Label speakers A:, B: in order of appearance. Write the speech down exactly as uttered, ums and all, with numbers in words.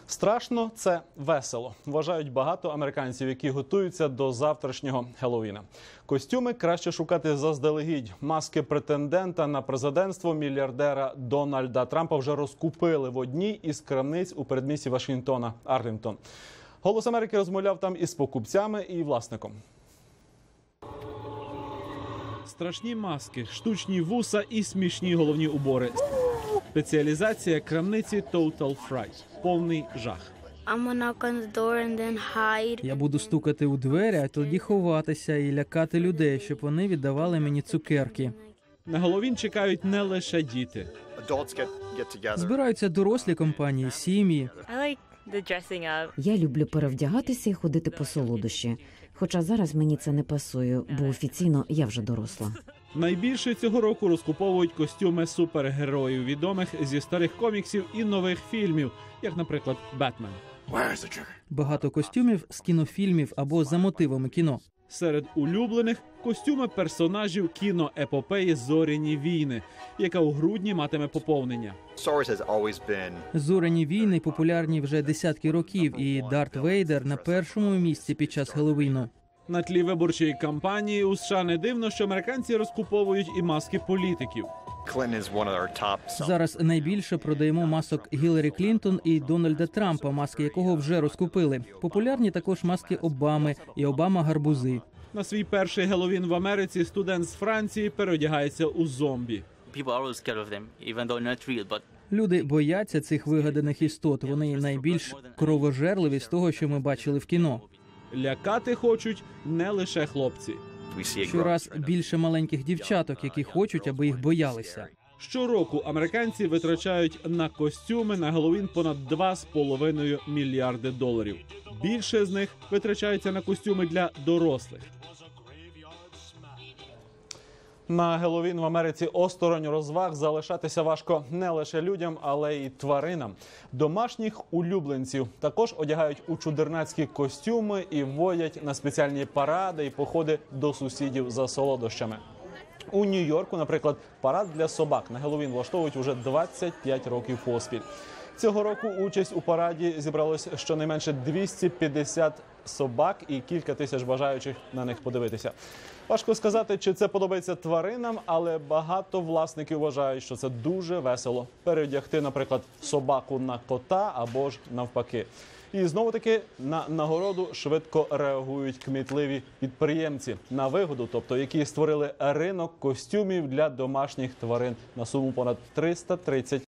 A: Страшно – це весело, вважають багато американців, які готуються до завтрашнього Хеллоуіна. Костюми краще шукати заздалегідь. Маски претендента на президентство мільярдера Дональда Трампа вже розкупили в одній із крамниць у передмісті Вашингтона – Арлінгтон. «Голос Америки» розмовляв там із покупцями і власником. Страшні маски, штучні вуса і смішні головні убори. Спеціалізація крамниці Total Fright. Повний жах.
B: Я буду стукати у двері, а тоді ховатися і лякати людей, щоб вони віддавали мені цукерки.
A: На Геловін чекають не лише діти.
B: Збираються дорослі компанії, сім'ї.
C: Я люблю перевдягатися і ходити по солодощі. Хоча зараз мені це не пасує, бо офіційно я вже доросла.
A: Найбільше цього року розкуповують костюми супергероїв, відомих зі старих коміксів і нових фільмів, як, наприклад, «Бетмен».
B: Багато костюмів з кінофільмів або за мотивами кіно.
A: Серед улюблених – костюми персонажів кіноепопеї «Зоряні війни», яка у грудні матиме поповнення.
B: «Зоряні війни» популярні вже десятки років, і Дарт Вейдер на першому місці під час Хеллоуіну.
A: На тлі виборчої кампанії у США не дивно, що американці розкуповують і маски політиків.
B: Зараз найбільше продаємо масок Гіларі Клінтон і Дональда Трампа, маски якого вже розкупили. Популярні також маски Обами і Обама-гарбузи.
A: На свій перший Геловін в Америці студент з Франції переодягається у зомбі.
B: Люди бояться цих вигаданих істот. Вони найбільш кровожерливі з того, що ми бачили в кіно.
A: Лякати хочуть не лише хлопці.
B: Щораз більше маленьких дівчаток, які хочуть, аби їх боялися.
A: Щороку американці витрачають на костюми на Геловін понад два з половиною мільярди доларів. Більше з них витрачається на костюми для дорослих. На Геловін в Америці осторонь розваг залишатися важко не лише людям, але й тваринам. Домашніх улюбленців також одягають у чудернацькі костюми і водять на спеціальні паради і походи до сусідів за солодощами. У Нью-Йорку, наприклад, парад для собак на Геловін влаштовують уже двадцять п'ять років поспіль. Цього року участь у параді зібралось щонайменше двісті п'ятдесят собак і кілька тисяч бажаючих на них подивитися. Важко сказати, чи це подобається тваринам, але багато власників вважають, що це дуже весело – переодягти, наприклад, собаку на кота або ж навпаки. І знову-таки на нагороду швидко реагують кмітливі підприємці на вигоду, тобто які створили ринок костюмів для домашніх тварин на суму понад триста тридцять